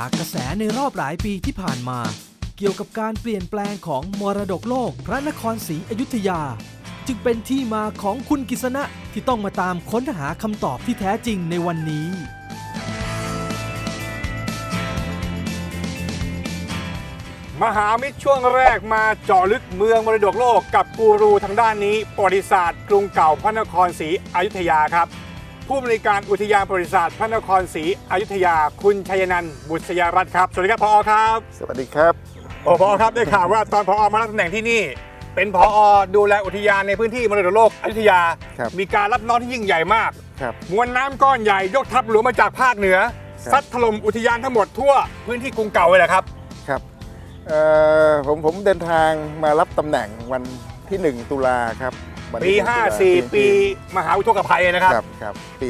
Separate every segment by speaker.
Speaker 1: จากกระแสในรอบหลายปีที่ผ่านมาเกี่ยวกับการเปลี่ยนแปลงของมรดกโลกพระนครศรีอยุธยาจึงเป็นที่มาของคุณกฤษณะที่ต้องมาตามค้นหาคำตอบที่แท้จริงในวันนี้
Speaker 2: มหามิตรช่วงแรกมาเจาะลึกเมืองมรดกโลกกับกูรูทางด้านนี้ประวัติศาสตร์กรุงเก่าพระนครศรีอยุธยาครับผู้บริการอุทยานประวัติศาสตร์พระนครศรีอยุธยาคุณชัยนันท์บุษยรัตน์ครับสวัสดีครับผอครับ
Speaker 3: สวัสดีครับ
Speaker 2: ผอครับได้ข่าวว่าตอนผอมารับตำแหน่งที่นี่เป็นผอดูแลอุทยานในพื้นที่มรดกโลกอยุธยามีการรับน้องที่ยิ่งใหญ่มากมวลน้ำก้อนใหญ่ยกทัพหลวงมาจากภาคเหนือซัดถล่มอุทยานทั้งหมดทั่วพื้นที่กรุงเก่าเลยแหละครับ
Speaker 3: ครับผมเดินทางมารับตำแหน่งวันที่1 ตุลาครับ
Speaker 2: ปี54ปีมหาอุทกภัยนะครับ
Speaker 3: ครับปี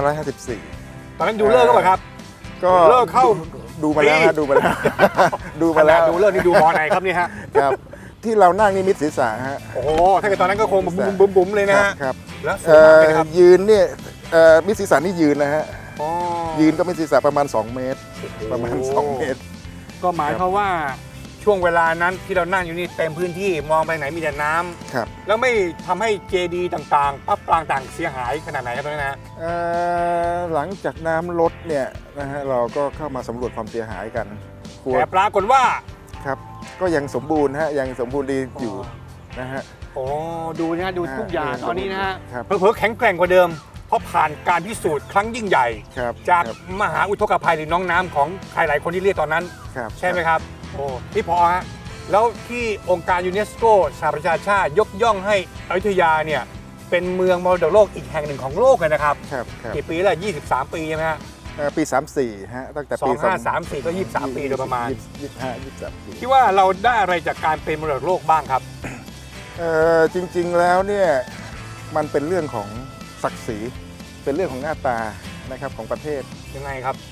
Speaker 3: 2554
Speaker 2: ตอนนั้นดูเลิกก็ป่ะครับ
Speaker 3: ก็
Speaker 2: เลิกเข้า
Speaker 3: ดูมาแล้วดูมาแล้ว
Speaker 2: ดูเลิกนี่ดูมอไหนครับนี่ฮะ
Speaker 3: ครับที่เรานั่งนี่มิดศีรษะฮะ
Speaker 2: โอ้โหถ้าเกิดตอนนั้นก็คงบุ๋มเลยนะฮะ
Speaker 3: ครับ
Speaker 2: แล้ว
Speaker 3: ยืนเนี่ยมิดศีรษะนี่ยืนนะฮะยืนก็มิดศีรษะประมาณ2 เมตรประมาณ2 เมตร
Speaker 2: ก็หมายความว่าช่วงเวลานั้นที่เรานั่งอยู่นี่เต็มพื้นที่มองไปไหนมีแต่น้ำ
Speaker 3: ครับ
Speaker 2: แล้วไม่ทำให้เจดีย์ต่างๆปั๊บปรางต่างเสียหายขนาดไหนครับตอนนั้นนะ
Speaker 3: หลังจากน้ำลดเนี่ยนะฮะเราก็เข้ามาสำรวจความเสียหายกัน
Speaker 2: แต่ปรากฏว่า
Speaker 3: ครับก็ยังสมบูรณ์ฮะยังสมบูรณ์ดีอยู่นะฮะ
Speaker 2: โอ้ดูนะดูทุกอย่างตอนนี้นะฮะเผลอๆแข็งแกร่งกว่าเดิมเพราะผ่านการพิสูจน์ครั้งยิ่งใหญ่จากมหาอุทกภัยหรือน้องน้ำของใครหลายคนที่เรียกตอนนั้นใช่ไหมครับโอ้พี่พอฮะแล้วที่องค์การยูเนสโกสหประชาชาติยกย่องให้อยุธยาเนี่ยเป็นเมืองมรดกโลกอีกแห่งหนึ่งของโลกเลยนะครับกี่ปีแล้ว23 ปีใช่ไหมฮะ
Speaker 3: ปี34ฮะตั้งแต่ปี
Speaker 2: 2534ก็23 ปีโดยประมาณ
Speaker 3: 23 ปี
Speaker 2: คิดว่าเราได้อะไรจากการเป็นมรดกโลกบ้างครับ
Speaker 3: จริงๆแล้วเนี่ยมันเป็นเรื่องของศักดิ์ศรีเป็นเรื่องของหน้าตานะครับของประเทศ
Speaker 2: ยังไงครับ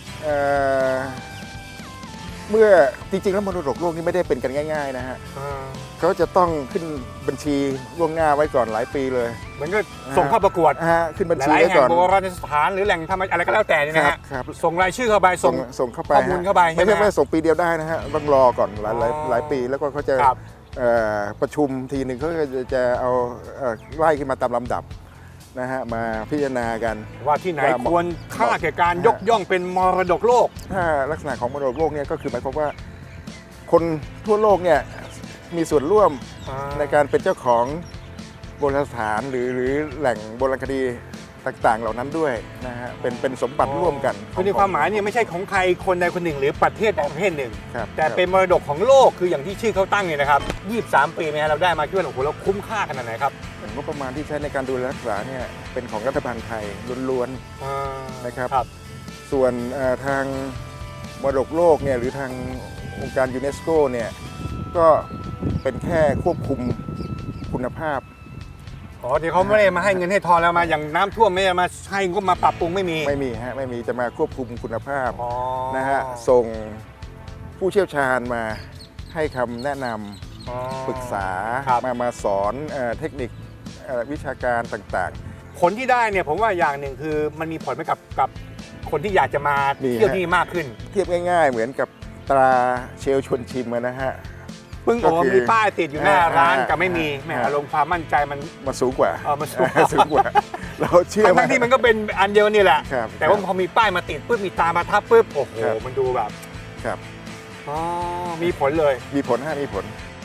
Speaker 3: เมื่อจริงๆแล้วมรดกโลกนี่ไม่ได้เป็นกันง่ายๆนะฮะเขาจะต้องขึ้นบัญชีล่วงหน้าไว้ก่อนหลายปีเลย
Speaker 2: เหมือนก็ส่งเข้าประกวด
Speaker 3: ขึ้นบัญชีไว้ก่อน
Speaker 2: โบราณสถานหรือแหล่งทำอะไรก็แล้วแต่นี่นะฮะส่งรายชื่อเข้าไป
Speaker 3: ส่งเข้าไป
Speaker 2: ข้อมูลเข้าไป
Speaker 3: ไม่ใช่ส่งปีเดียวได้นะฮะต้องรอก่อนหลายปีแล้วก็เขาจะประชุมทีหนึ่งเขาจะเอาไล่ขึ้นมาตามลำดับนะฮะมาพิจารณากัน
Speaker 2: ว่าที่ไหนควรค่าแก่การยกย่องเป็นมรดกโลก
Speaker 3: ถ้าลักษณะของมรดกโลกเนี่ยก็คือหมายความว่าคนทั่วโลกเนี่ยมีส่วนร่วมในการเป็นเจ้าของโบราณสถานหรือแหล่งโบราณคดีต่างๆเหล่านั้นด้วยนะฮะเป็นสมบัติร่วมกัน
Speaker 2: คือในความหมายเนี่ยไม่ใช่ของใครคนใดคนหนึ่งหรือประเทศใดประเทศหนึ่งแต่เป็นมรดกของโลกคืออย่างที่ชื่อเขาตั้งเนี่ยนะครับ23 ปีเนี่ยเราได้มาคิดว่าโอ้โหเราคุ้มค่าขนาดไหนครับ
Speaker 3: งบประมาณที่ใช้ในการดูแลรักษาเนี่ยเป็นของรัฐบาลไทยล้วนๆนะครับส่วนทางมรดกโลกเนี่ยหรือทางองค์การยูเนสโกเนี่ยก็เป็นแค่ควบคุมคุณภาพ
Speaker 2: ที่เขาไม่ได้มาให้เงินให้ทองแล้วมาอย่างน้ำท่วมไม่ได้มาให้งบมาปรับปรุงไม่มี
Speaker 3: ฮะไม่มีจะมาควบคุมคุณภาพนะฮะส่งผู้เชี่ยวชาญมาให้คำแนะนำปรึกษามาสอนเทคนิควิชาการต่าง
Speaker 2: ๆผลที่ได้เนี่ยผมว่าอย่างหนึ่งคือมันมีผลไหมกับคนที่อยากจะมาเที่ยวที่มากขึ้น
Speaker 3: เทียบง่ายๆเหมือนกับตราเชลชวนชิมนะฮะ
Speaker 2: มีป้ายติดอยู่หน้าร้านกับไม่มีแหมอารมณ์ความมั่นใจมัน
Speaker 3: สูงกว่า
Speaker 2: มัน
Speaker 3: สูงกว่าเราเชื่อ
Speaker 2: ทั้งที่มันก็เป็นอันเดียวนี่แหละแต่ว่าพอมีป้ายมาติดปุ๊บมีตามาทับปุ๊บโอ้โหมันดูแบบ
Speaker 3: ครับ
Speaker 2: มีผลเลย
Speaker 3: มีผลมีผล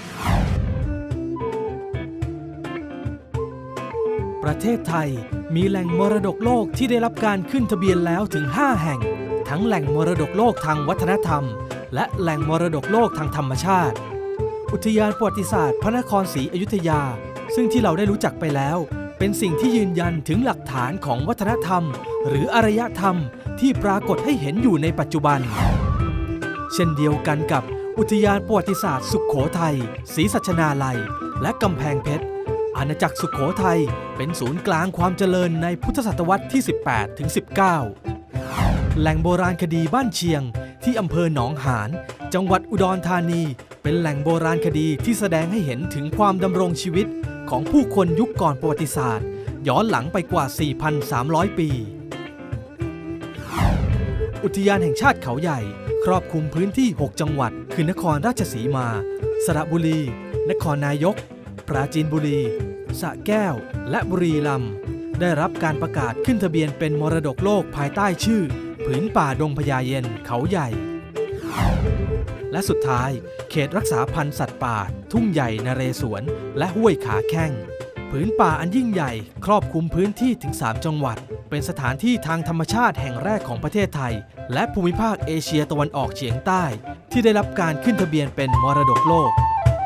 Speaker 1: ประเทศไทยมีแหล่งมรดกโลกที่ได้รับการขึ้นทะเบียนแล้วถึง5 แห่งทั้งแหล่งมรดกโลกทางวัฒนธรรมและแหล่งมรดกโลกทางธรรมชาติอุทยานประวัติศาสตร์พระนครศรีอยุธยาซึ่งที่เราได้รู้จักไปแล้วเป็นสิ่งที่ยืนยันถึงหลักฐานของวัฒนธรรมหรืออารยธรรมที่ปรากฏให้เห็นอยู่ในปัจจุบันเช่นเดียวกันกับอุทยานประวัติศาสตร์สุโขทัยศรีสัชนาลัยและกำแพงเพชรอาณาจักรสุโขทัยเป็นศูนย์กลางความเจริญในพุทธศตวรรษที่ 18 ถึง 19 แหล่งโบราณคดีบ้านเชียงที่อำเภอหนองหานจังหวัดอุดรธานีเป็นแหล่งโบราณคดีที่แสดงให้เห็นถึงความดำรงชีวิตของผู้คนยุคก่อนประวัติศาสตร์ย้อนหลังไปกว่า 4,300 ปีอุทยานแห่งชาติเขาใหญ่ครอบคลุมพื้นที่ 6 จังหวัดคือนครราชสีมา สระบุรี นครนายก ปราจีนบุรี สระแก้ว และบุรีรัมย์ได้รับการประกาศขึ้นทะเบียนเป็นมรดกโลกภายใต้ชื่อผืนป่าดงพญาเย็นเขาใหญ่ และสุดท้ายเขตรักษาพันธุ์สัตว์ป่าทุ่งใหญ่นเรศวรและห้วยขาแข้งผืนป่าอันยิ่งใหญ่ครอบคลุมพื้นที่ถึง 3 จังหวัดเป็นสถานที่ทางธรรมชาติแห่งแรกของประเทศไทยและภูมิภาคเอเชียตะวันออกเฉียงใต้ที่ได้รับการขึ้นทะเบียนเป็นมรดกโลก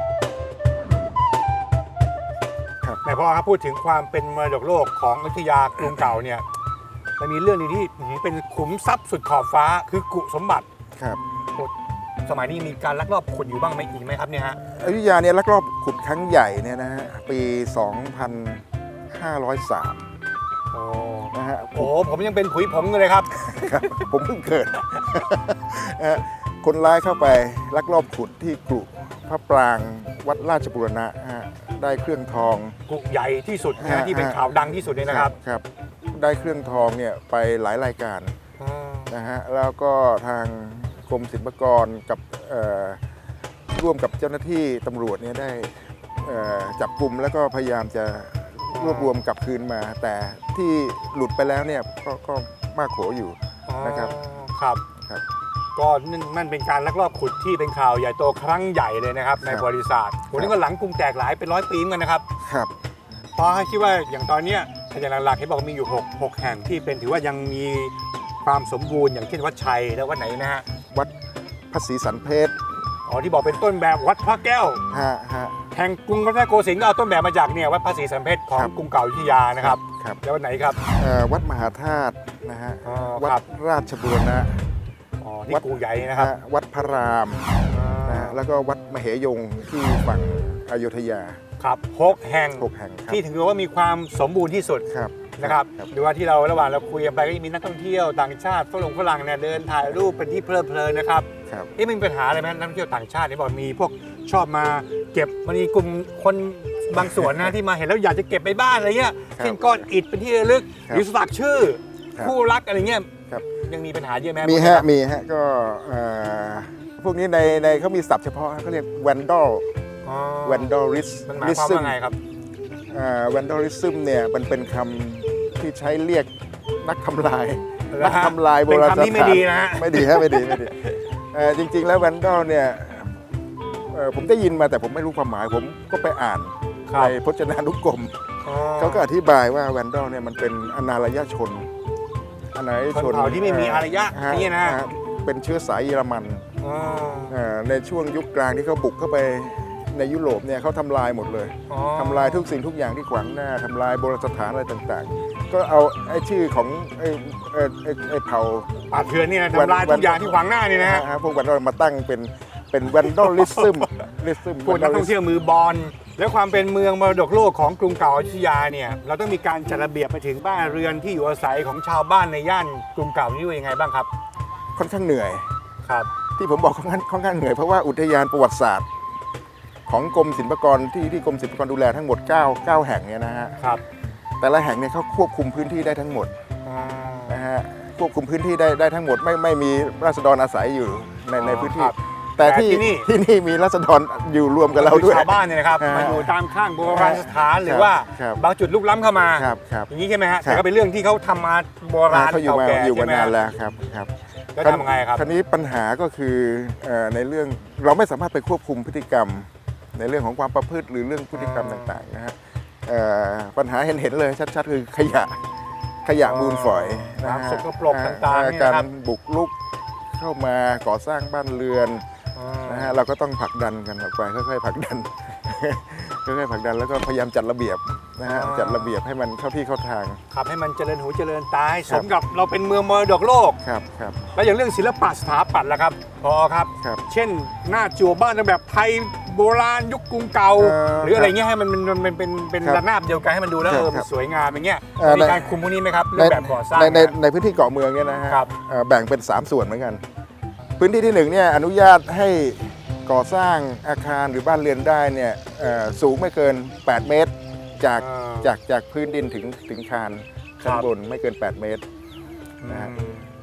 Speaker 2: แม่พ่อครับพูดถึงความเป็นมรดกโลกของอยุธยากรุงเก่าเนี่ยมันมีเรื่องนึงที่เป็นขุมทรัพย์สุดขอบฟ้าคือกุสมบัติ
Speaker 3: ครับ
Speaker 2: สมัยนี้มีการลักลอบขุดอยู่บ้างไหมอีกไหมครับเนี่ยฮะ
Speaker 3: อยุธยาเนี่ยลักลอบขุดครั้งใหญ่เนี่ยนะฮะปี 2503
Speaker 2: โอ้
Speaker 3: นะฮะ
Speaker 2: โหผมยังเป็นผุยผงอยู่เลยครับ
Speaker 3: ครับผมเพิ่งเกิด คนร้ายเข้าไปลักลอบขุดที่กรุพระปรางวัดราชบุรณะฮะได้เครื่องทอง
Speaker 2: กุใหญ่ที่สุดนะที่เป็นข่าวดังที่สุดเลยนะครับ
Speaker 3: ครับได้เครื่องทองเนี่ยไปหลายรายการนะฮะแล้วก็ทางกรมศิลปากรกับร่วมกับเจ้าหน้าที่ตำรวจเนี่ยได้จับกลุ่มแล้วก็พยายามจะรวบรวมกลับคืนมา แต่ที่หลุดไปแล้วเนี่ยก็มากโขอยู่นะครับ
Speaker 2: ครับ
Speaker 3: ครับ
Speaker 2: ก็นั่นเป็นการลักลอบขุดที่เป็นข่าวใหญ่โตครั้งใหญ่เลยนะครับในประวัติศาสตร์ผมนี่ก็หลังกรุงแตกหลายเป็น100 ปีเหมือนกันนะครับ
Speaker 3: ครับ
Speaker 2: เพราะให้คิดว่าอย่างตอนเนี้ยอย่างหลักๆที่บอกมีอยู่6แห่งที่เป็นถือว่ายังมีความสมบูรณ์อย่างเช่นวัดชัยแล้ววัดไหนนะฮะ
Speaker 3: วัดพระศรีสันเพชร
Speaker 2: อ๋อที่บอกเป็นต้นแบบวัดพระแก้ว
Speaker 3: ฮะ
Speaker 2: แห่งกรุงรัตนโกสินทร์ก็เอาต้นแบบมาจากเนี่ยวัดพระศรีสันเพชรของกรุงเก่าอยุธยานะครับ
Speaker 3: ครับ
Speaker 2: แล้ววัดไหนครับ
Speaker 3: วัดมหาธาตุนะฮะ
Speaker 2: อ๋อ
Speaker 3: วั
Speaker 2: ครั
Speaker 3: ด
Speaker 2: บ
Speaker 3: ราชบุรณะ
Speaker 2: อ๋อที่กูใหญ่นะครับ
Speaker 3: วัดพระรามนะฮะแล้วก็วัดมเหยงที่ฝั่งอยุธยา
Speaker 2: ครับ6 แห่ง
Speaker 3: 6 แห่งครับ
Speaker 2: ที่ถือว่ามีความสมบูรณ์ที่สุด
Speaker 3: ครับ
Speaker 2: นะครับดูว่าที่เราระหว่างเราคุยกันไปก็มีนักท่องเที่ยวต่างชาติฝรั่งเนี่ยเดินถ่ายรูปเป็นที่เพลิดเพลินนะครับ
Speaker 3: ครับ
Speaker 2: นี่มีปัญหาอะไรไหมนักท่องเที่ยวต่างชาติเนี่ยบอกมีพวกชอบมาเก็บมันมีกลุ่มคนบางส่วนนะที่มาเห็นแล้วอยากจะเก็บไปบ้านอะไรเงี้ยเช่นก้อนอิฐเป็นที่ระลึกหรือสลักชื่อคู่รักอะไรเงี้ยยังมีปัญหาเยอะไหม
Speaker 3: มีฮะก็พวกนี้ในเขามีศัพท์เฉพาะเขาเรียก vandalism
Speaker 2: มันหมายความว่าไงครับ
Speaker 3: vandalism เนี่ยมันเป็นคำที่ใช้เรียกนักทำลายโบราณสถาน
Speaker 2: เป็นคำที่ไม่ดีนะฮะ
Speaker 3: ไม่ดีจริงๆแล้ว vandal เนี่ยผมได้ยินมาแต่ผมไม่รู้ความหมายผมก็ไปอ่านในพจนานุกรมเขาก็อธิบายว่า vandal เนี่ยมันเป็นอนารยชน
Speaker 2: ชนเผ่าที่ไม่มีอารยะนี่นะ
Speaker 3: เป็นเชื้อสายเยอรมันในช่วงยุคกลางที่เขาบุกเข้าไปในยุโรปเนี่ยเขาทำลายหมดเลยทำลายทุกสิ่งทุกอย่างที่ขวางหน้าทำลายโบราณสถานอะไรต่างๆก็เอาไอ้ชื่อของไอ้เผ่า
Speaker 2: ป่าเถื่อนนี่นะทำลายทุกอย่างที่ขวางหน้านี่นะฮะ
Speaker 3: พวกวันเรามาตั้งเป็น vandalism
Speaker 2: พวกนักท่องเที่ยวมือบอลแล้วความเป็นเมืองมรดกโลกของกรุงเก่าอยุธยาเนี่ยเราต้องมีการจัดระเบียบไปถึงบ้านเรือนที่อยู่อาศัยของชาวบ้านในย่านกรุงเก่านี่ยังไงบ้างครับ
Speaker 3: ค่อนข้างเหนื่อย
Speaker 2: ครับ
Speaker 3: ที่ผมบอกค่อนข้างเหนื่อยเพราะว่าอุทยานประวัติศาสตร์ของกรมศิลปากรที่กรมศิลปากรดูแลทั้งหมด9แห่งเนี่ยนะฮะ
Speaker 2: ครับ
Speaker 3: แต่ละแห่งเนี่ยเขาควบคุมพื้นที่ได้ทั้งหมดนะฮะควบคุมพื้นที่ได้ทั้งหมดไม่มีราษฎรอาศัยอยู่ในพื้นที่แต่ที่นี่มีราษฎรอยู่รวมกับเราด้วย
Speaker 2: ชาวบ้านเนี่ยนะครับมาอยู่ตามข้างโบราณสถานหรือว่าบางจุดลุกล้ำเข้ามาอย่างนี้ใช่ไหมฮะแต่ก็เป็นเรื่องที่เขาทำมาโบราณ
Speaker 3: เก่าแก่อยู่มานานแล้วครับ
Speaker 2: แล้วทำไงครับ
Speaker 3: คราวนี้ปัญหาก็คือในเรื่องเราไม่สามารถไปควบคุมพฤติกรรมในเรื่องของความประพฤติหรือเรื่องพฤติกรรมต่างๆนะฮะปัญหาเห็นเลยชัดๆคือขยะมูลฝอยนะฮะ
Speaker 2: สกปรกต่างๆ
Speaker 3: การบุกรุกเข้ามาก่อสร้างบ้านเรือนนะฮะเราก็ต้องผลักดันกันออกไปค่อยๆผลักดันแล้วก็พยายามจัดระเบียบนะฮะจัดระเบียบให้มันเข้าที่เข้าทาง
Speaker 2: ครับให้มันเจริญหูเจริญตาให้สมกับเราเป็นเมืองมรดกโลก
Speaker 3: ครับ
Speaker 2: แล้วอย่างเรื่องศิลปะสถาปัตย์ล่ะครับพอครับเช่นหน้าจั่วบ้านแบบไทยโบราณยุคกรุงเก่าหรืออะไรเงี้ยให้มันเป็นระนาบเดียวกันให้มันดูแล้วมันสวยงามอย่างเงี้ยมีการคุมพวกนี้ไหมครับเรื่องแบบก่อสร้าง
Speaker 3: ในพื้นที่เกาะเมืองเนี่ยนะฮะแบ่งเป็น3ส่วนเหมือนกันพื้นที่ที่1เนี่ยอนุญาตให้ก่อสร้างอาคารหรือบ้านเรือนได้เนี่ยสูงไม่เกิน8 เมตรจากพื้นดินถึงคานชั้นบนไม่เกิน8 เมตรนะฮะ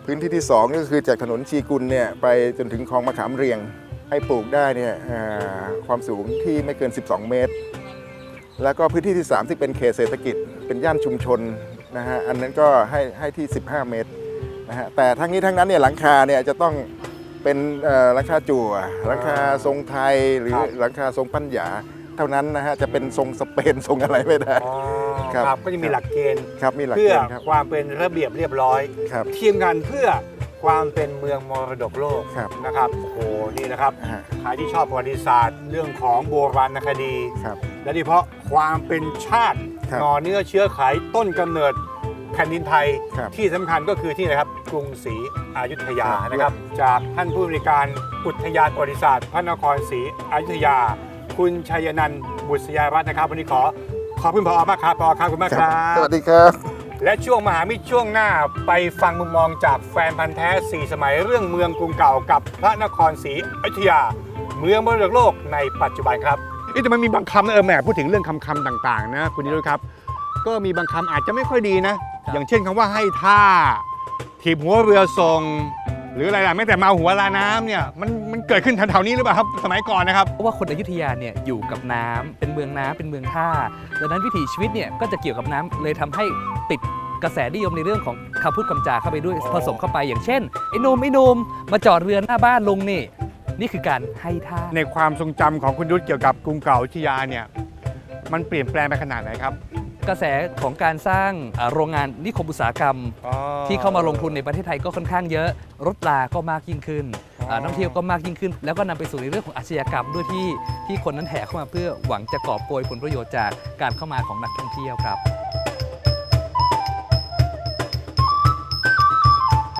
Speaker 3: พื้นที่ที่2ก็คือจากถนนชีกุลเนี่ยไปจนถึงคลองมะขามเรียงให้ปลูกได้เนี่ยความสูงที่ไม่เกิน12 เมตรแล้วก็พื้นที่ที่3ที่เป็นเขตเศรษฐกิจเป็นย่านชุมชนนะฮะอันนั้นก็ให้ที่15 เมตรนะฮะแต่ทั้งนี้ทั้งนั้นเนี่ยหลังคาเนี่ยจะต้องเป็นหลังคาจั่วหลังคาทรงไทยหรือหลังคาทรงปัญญาเท่านั้นนะฮะจะเป็นทรงสเปนทรงอะไรไม่ได้
Speaker 2: ครับก็จะมีหลักเกณฑ์
Speaker 3: เพื่อ
Speaker 2: ความเป็นระเบียบเรียบร้อยเทียมกันเพื่อความเป็นเมืองมรดกโลกนะครับโอ้โหนี่นะครับใครที่ชอบประวัติศาสตร์เรื่องของโบราณคดีและโดยเฉพาะความเป็นชาติหน่อเนื้อเชื้อไขต้นกำเนิดแผ่นดินไทยที่สำคัญก็คือที่นะครับกรุงศรีอยุธยานะครับจากท่านผู้บริการอุทยานประวัติศาสตร์พระนครศรีอยุธยาคุณชัยนันท์บุษยรัตน์นะครับวันนี้ขอบคุณผอ.มากครับผอ.ครับคุณมากครับ
Speaker 3: สวัสดีครับ
Speaker 2: และช่วงมหามิตรช่วงหน้าไปฟังมุมมองจากแฟนพันธ์แท้4สมัยเรื่องเมืองกรุงเก่ากับพระนครศรีอยุธยาเมืองมรดกโลกในปัจจุบันครับแต่มันมีบางคำนะแหมพูดถึงเรื่องคำต่างๆนะคุณนิรุตครับก็มีบางคำอาจจะไม่ค่อยดีนะอย่างเช่นคำว่าให้ท่าถีบหัวเรือทรงหรืออะไรล่ะแม้แต่มาหัวลาน้ำเนี่ยมันเกิดขึ้นแถวๆนี้หรือเปล่าครับสมัยก่อนนะครับ
Speaker 4: เพราะว่าคนอยุธยาเนี่ยอยู่กับน้ำเป็นเมืองน้ำเป็นเมืองท่าดังนั้นวิถีชีวิตเนี่ยก็จะเกี่ยวกับน้ำเลยทำให้ติดกระแสนิยมในเรื่องของคำพูดคำจาเข้าไปด้วยผสมเข้าไปอย่างเช่นไอ้หนุ่มมาจอดเรือหน้าบ้านลงนี่คือการให้ท่า
Speaker 2: ในความทรงจำของคุณยุทธเกี่ยวกับกรุงเก่าอยุธยาเนี่ยมันเปลี่ยนแปลงไปขนาดไหนครับ
Speaker 4: กระแสของการสร้างโรงงานนิคมอุตสาหกรรมที่เข้ามาลงทุนในประเทศไทยก็ค่อนข้างเยอะรถราก็มากยิ่งขึ้นนักท่องเที่ยวก็มากยิ่งขึ้นแล้วก็นำไปสู่ในเรื่องของอาชญากรรมด้วยที่คนนั้นแห่เข้ามาเพื่อหวังจะกอบโกยผลประโยชน์จากการเข้ามาของนักท่องเที่ยวครับ